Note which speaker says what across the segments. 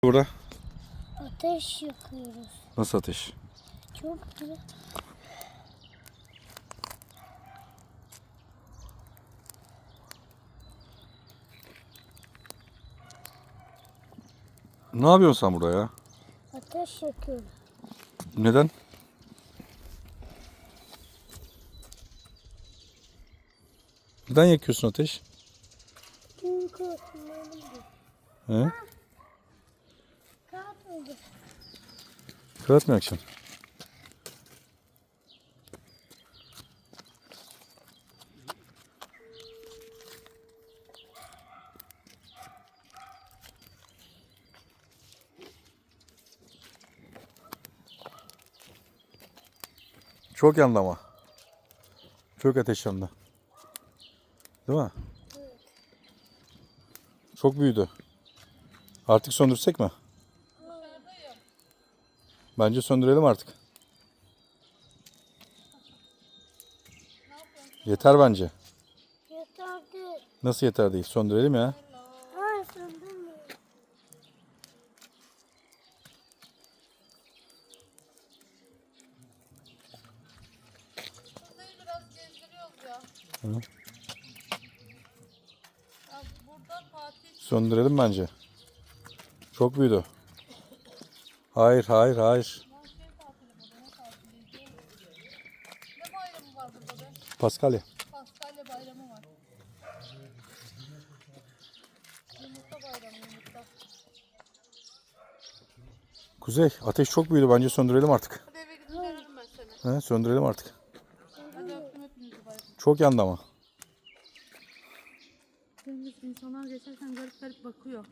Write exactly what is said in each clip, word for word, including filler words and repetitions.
Speaker 1: Burada
Speaker 2: ateş yakıyoruz.
Speaker 1: nasıl ateş?
Speaker 2: Çok güzel.
Speaker 1: Ne yapıyorsun sen burada ya?
Speaker 2: Ateş yakıyoruz.
Speaker 1: Neden? Neden yakıyorsun ateş?
Speaker 2: Çünkü ısınmalıydı.
Speaker 1: He?
Speaker 2: Kağıt oldu.
Speaker 1: Kağıt mı yakacaksın? Çok yandı ama. Çok ateş yandı. Değil mi?
Speaker 2: Evet.
Speaker 1: Çok büyüdü. Artık söndürsek mi? Bence söndürelim artık. Yeter bence.
Speaker 2: Yeter değil.
Speaker 1: Nasıl yeter değil? Söndürelim ya.
Speaker 2: Hayır söndürmüyor.
Speaker 3: Kuzey'i biraz gezdiriyoruz ya.
Speaker 1: Hı.
Speaker 3: Ya burada Fatih
Speaker 1: Söndürelim bence. Çok büyüdü. Hayır, hayır, hayır.
Speaker 3: şey tatili burada, ne tatiliydi? Ne bayramı var burada be?
Speaker 1: Paskalya.
Speaker 3: Paskalya bayramı var. Yumurta bayramı, yumurta.
Speaker 1: Kuzey, ateş çok büyüdü. Bence söndürelim artık.
Speaker 3: Hadi eve gidin dönerim ben seni.
Speaker 1: He, söndürelim artık.
Speaker 3: Hadi öptüm hepinizi bayram.
Speaker 1: Çok yandı ama.
Speaker 3: Deniz insanlar geçerken garip garip bakıyor.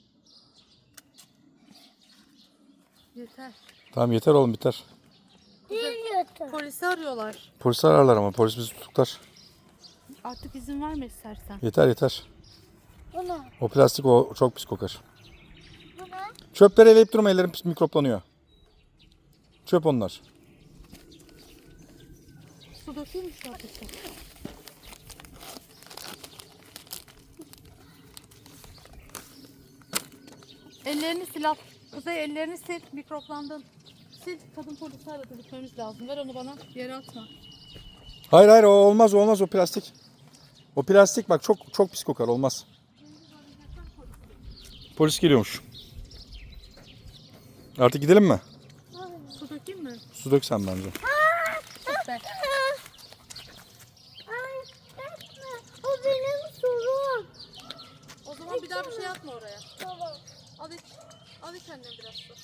Speaker 3: Yeter.
Speaker 1: Tamam yeter oğlum, biter.
Speaker 2: Değil yeter.
Speaker 3: Polisi arıyorlar.
Speaker 1: Polisi ararlar ama polis bizi tutuklar.
Speaker 3: Artık izin verme istersen.
Speaker 1: Yeter yeter.
Speaker 2: Bu ne?
Speaker 1: O plastik o çok pis kokar.
Speaker 2: Bu ne?
Speaker 1: Çöpleri eleyip durma, ellerim pis mikroplanıyor. Çöp onlar.
Speaker 3: Su dökeyim mi şu ateşe? Ellerini sil al. Kuzey ellerini sil. Mikroplandın. Sil. Kadın polisi aradı. Gitmemiz lazım. Ver onu bana. Yere atma.
Speaker 1: Hayır hayır, o olmaz, o olmaz, o plastik. O plastik bak, çok çok pis kokar, olmaz. Polis geliyormuş. Artık gidelim mi?
Speaker 3: Su dökeyim mi?
Speaker 1: Su dök sen bence.
Speaker 3: Tut be.
Speaker 2: Ay etme. O benim sorum.
Speaker 3: O zaman bir daha bir şey atma oraya.
Speaker 2: Tamam.
Speaker 3: Al iç. Al iç annem biraz su.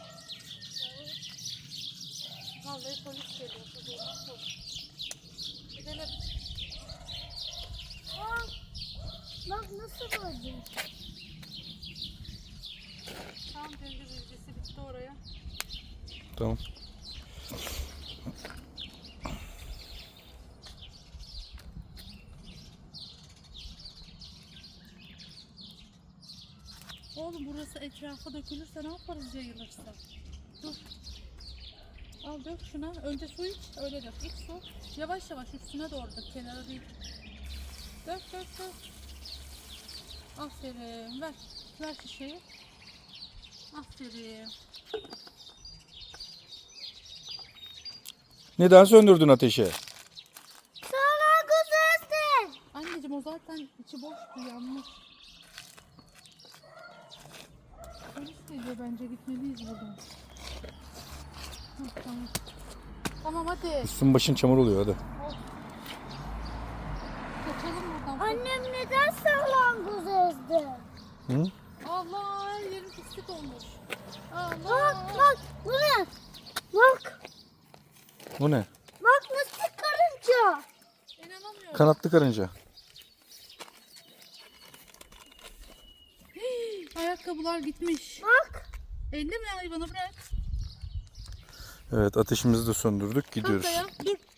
Speaker 3: Vallahi polis geliyor. Kuzey nasıl? Gidelim.
Speaker 2: Bak. Bak nasıl oldu?
Speaker 3: Tam döngü bilgisi bitti oraya.
Speaker 1: Tamam.
Speaker 3: Oğlum burası etrafa dökülürse ne yaparız yayılırsa? Dur. Al dök şuna. Önce su iç. Öyle dök. İç su. Yavaş yavaş üstüne doğru dök. Kenara değil. Dök dök dök. Aferin. Ver. Ver şişeyi. Aferin.
Speaker 1: Neden söndürdün ateşi?
Speaker 2: Sana güzelsin.
Speaker 3: Anneciğim o zaten içi boştu, yanmış. Polis geliyor, bence gitmeliyiz buradan. Hah, tamam. Tamam hadi.
Speaker 1: Üstün başın çamur oluyor, hadi.
Speaker 3: Kaçalım buradan.
Speaker 2: Annem neden salyangoz ezdi?
Speaker 1: Hı?
Speaker 3: Allah, her yerim pislik olmuş.
Speaker 2: Bak
Speaker 3: Allah.
Speaker 2: bak bu ne? Bak.
Speaker 1: Bu ne?
Speaker 2: Bak nasıl karınca.
Speaker 3: İnanamıyorum.
Speaker 1: Kanatlı karınca.
Speaker 3: Ayakkabılar gitmiş.
Speaker 2: Bak.
Speaker 3: Elle mi hayvanı bırak.
Speaker 1: Evet, ateşimizi de söndürdük, gidiyoruz.
Speaker 3: Kalk ayağa. Dur.